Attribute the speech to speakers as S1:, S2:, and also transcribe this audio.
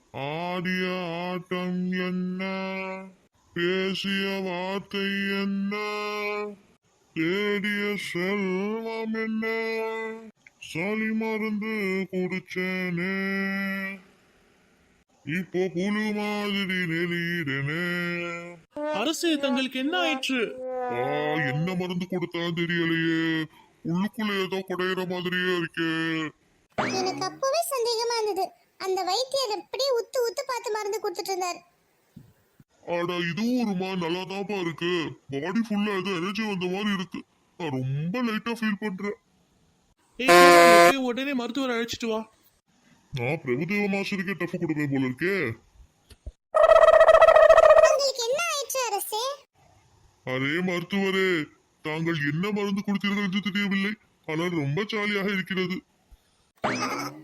S1: ஆடிய ஆட்டம் என்ன, பேசிய வார்த்தை என்ன, தேடிய செல்வம் என்ன, சளி மருந்து குடிச்சேனே, இப்போ புழு மாதிரி நெளியிடனே.
S2: அரசே, தங்களுக்கு என்ன ஆயிற்று?
S1: என்ன மருந்து கொடுத்தா தெரியலையே, உள்ளுக்குள்ள ஏதோ குடையிற மாதிரியே இருக்கே.
S3: எனக்கு அப்பவே சந்தேகமா இருந்தது. அந்த வைத்தியர் அப்படியே உத்து உத்து பார்த்து மருந்து கொடுத்துட்டு இருந்தார்.
S1: ஆடா, இதுவும் ஒருமா நல்லாதான்ப்பா இருக்கு. பாடி ஃபுல்லா ஏதோ எனர்ஜி வந்த மாதிரி இருக்கு. நான் ரொம்ப லைட்டா ஃபீல் பண்றேன்.
S2: போய் உடனே மருத்துவர் அழைச்சிட்டு வா.
S1: நான் பிரபுதேவ மாஸ்டருக்கே டஃப் கொடுப்பேன் போல இருக்கே.
S3: உங்களுக்கு என்ன ஆயிற்று அரசே?
S1: அரே மருத்துவரே, தாங்கள் என்ன மருந்து கொடுத்தீர்கள் என்று தெரியவில்லை. ஆனால் ரொம்ப ஜாலியாக இருக்கிறது.